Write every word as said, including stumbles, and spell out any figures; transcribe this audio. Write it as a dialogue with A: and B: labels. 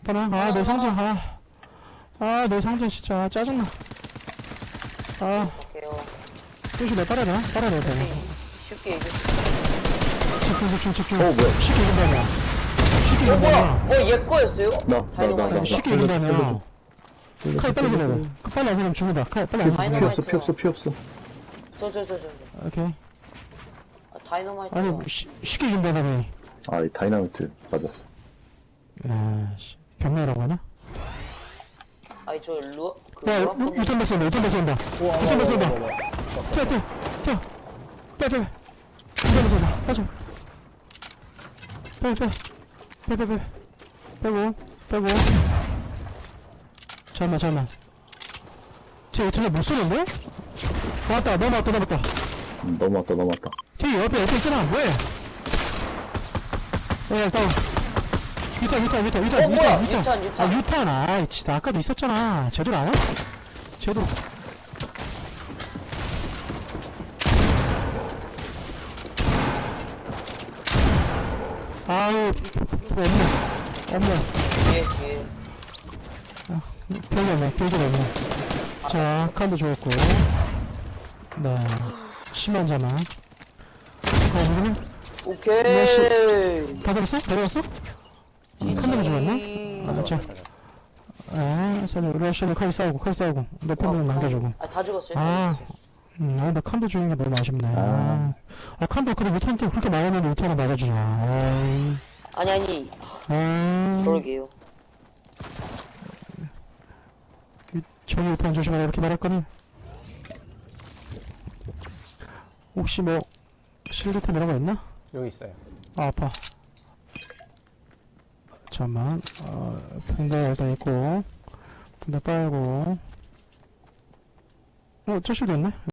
A: 봐라. 아, 내 상자. 아, 아, 내 상자 진짜 짜증나. 아,
B: 갈게요.
A: 혹시 내 빨아야 되나? 빨아야 돼.
B: 쉽게 이겨.
A: 집중, 집중, 집중.
C: 어, 뭐야?
A: 쉽게 이긴다냐. 쉽게
B: 어, 뭐야?
A: 이긴다냐.
B: 어, 얘 거였어요?
C: 나, 나, 나,
B: 다이너마이트.
C: 나, 나.
A: 쉽게 이긴다냐. 칼 빨리 들어야 돼. 그 빨리 안 들으면 죽는다. 칼 빨리 안
C: 피
A: 들으면
C: 없어, 피 없어, 피 없어.
B: 저, 저, 저, 저. 저.
A: 오케이.
B: 아, 다이너마이트.
A: 아니, 쉬, 쉽게 이긴다다며.
C: 아, 이 다이나마이트 맞았어.
A: 야, 씨. 병매라고 하냐?
B: 아니, 저, 루, 그,
A: 야,
B: 루아콘.
A: 유탄 발사한다, 유탄 발사한다. 유탄 발사한다. 튀어, 튀어, 튀어. 빼, 빼. 유탄 발사한다. 빠져. 빼, 빼. 빼, 빼, 빼. 빼고, 빼고. 잠깐만, 잠깐만. 쟤 어떻게 못 쏘는데? 왔다, 넘어왔다, 넘어왔다.
C: 음, 넘어왔다, 넘어왔다.
A: 뒤에 옆에, 옆에 있잖아, 뭐해? 어, 야, 다운. 유탄, 유탄, 유탄, 유탄,
B: 어, 뭐야?
A: 유탄.
B: 유탄, 유탄.
A: 아, 유탄, 아이, 진짜 아까도 있었잖아. 제대로 안 해? 제대로. 아유, 없네. 없네.
B: 예, 예.
A: 별로 없네. 별로 없네. 자, 칸도 좋았고. 네. 심한 자만. 어, 누구냐?
B: 오케이.
A: 다 잡았어? 다 잡았어? 칸도 좋았나? 아, 자. 아, 서로 러시아는 칼 싸우고, 칼 싸우고. 높은 분 남겨주고.
B: 아, 다 죽었어요.
A: 아.
B: 다 죽었어요.
A: 음, 아, 나 칸도 주는 게 너무 아쉽네. 아, 아 칸도 그래 못하는데 그렇게 많았는데 못하나 맞아주냐. 아이.
B: 아니, 아니.
A: 아,
B: 그러게요.
A: 저기 유탄 조심하라 이렇게 말했거든. 혹시 뭐 실드템 이런 거 있나?
D: 여기 있어요.
A: 아, 아파. 잠깐만. 어, 붕대 일단 있고 붕대 빨고. 어, 저 실드 있네.